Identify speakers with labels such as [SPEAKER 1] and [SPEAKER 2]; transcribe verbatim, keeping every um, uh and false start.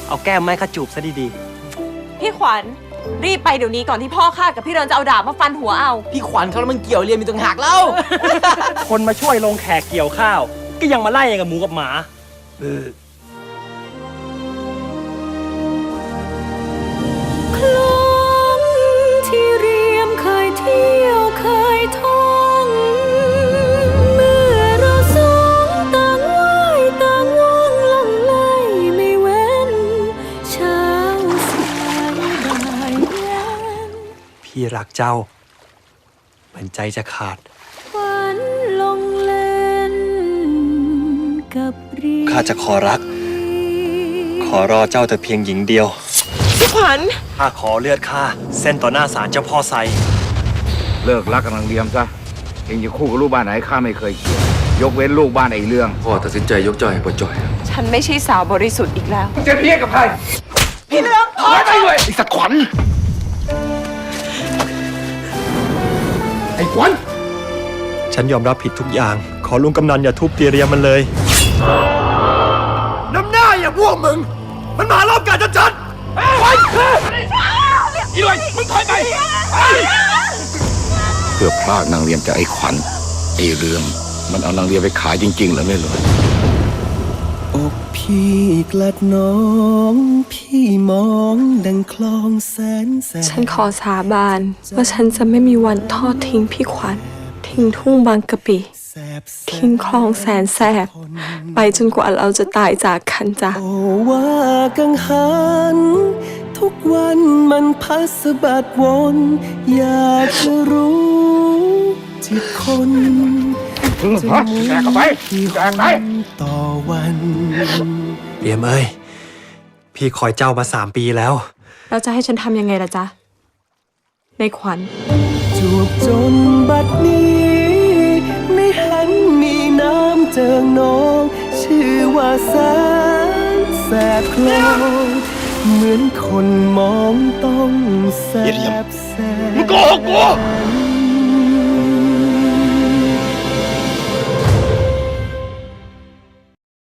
[SPEAKER 1] เอาแก้มไม้ข้าจูบซะดีๆ
[SPEAKER 2] พี่ขวัญรีบไปเดี๋ยวนี้ก่อนที่พ่อข้ากับพี่เรินจะเอาดาบมาฟันหัวเอา
[SPEAKER 3] พี่ขวัญเขาแล้วมันเกี่ยวเรียนมีต่างหากเล่า
[SPEAKER 1] คนมาช่วยลงแขกเกี่ยวข้าวก็ยังมาไล่กับหมูกับหมาเออ
[SPEAKER 4] คลองที่เรียมเคยเที่ยวเคยท่องเมื่อเราสองต่างว่ายต่างว่องล่องไล่ไม่เว้นเช้าสายบ่ายเย็น
[SPEAKER 1] พี่รักเจ้าเหมือนใจจะขาด
[SPEAKER 4] ฝันลงเล่นกับรี
[SPEAKER 1] ข้าจะขอรักขอรอเจ้าแต่เพียงหญิงเดียว
[SPEAKER 2] พี่ขวัญ
[SPEAKER 1] ข้าขอเลือดข้าเส้นต่อหน้าศาลเจ้าพ่อไซ
[SPEAKER 5] เลิกรักกำลังเลียมซะเองจะคู่กับลูกบ้านไหนข้าไม่เคยเกี่ยวยกเว้นลูกบ้านไอ้เรื่อง
[SPEAKER 6] พ่อตัดสินใจยกเจ้าให้พ่อจ่อย
[SPEAKER 2] ฉันไม่ใช่สาวบริสุทธิ์อีกแล้ว
[SPEAKER 5] จะเพี้ยกับใคร
[SPEAKER 2] พี่เลือก
[SPEAKER 5] ถอยไปเลยไอ้สักขวัญไอ้ขวัญ
[SPEAKER 1] ฉันยอมรับผิดทุกอย่างขอลุงกำนันอย่าทุบตีเรียมมันเลย
[SPEAKER 5] น้ำหน้าอย่าพวกมึงมันมารอบการจัดๆไปอีเลยมึงถอยไปเพื่อพลากนางเรียมจากไอ้ขวัญไอ้เรื่องมันเอานางเรียมไปขายจริงๆเหรอไม่รู้
[SPEAKER 7] อกพี่กลัดน้องพี่มองดังคลองแสนแสน
[SPEAKER 4] ฉันขอสาบานว่าฉันจะไม่มีวันทอดทิ้งพี่ขวัญทิ้งทุ่งบางกะปิทิ้งคลองแสนแสบไปจนกว่าเราจะตายจากกันจ้ะ
[SPEAKER 7] โอ้ว่ากังหันทุกวันมันพัสบัดวนอยากจะรู้จิตคน
[SPEAKER 5] จะมุ่งที่หน
[SPEAKER 7] ต่อวัน
[SPEAKER 1] เรียมเอ้ยพี่คอยเจ้ามาสามปีแล้ว
[SPEAKER 4] เราจะให้ฉันทำยังไงล่ะจ๊ะในขวัญ
[SPEAKER 7] จูบจนบัดนี้ไม่หันมีน้ำเจิงนองชื่อว่าแสนแสบคลองเหมือนคนมองต้องแสบแสบ
[SPEAKER 5] มึงโกหกกู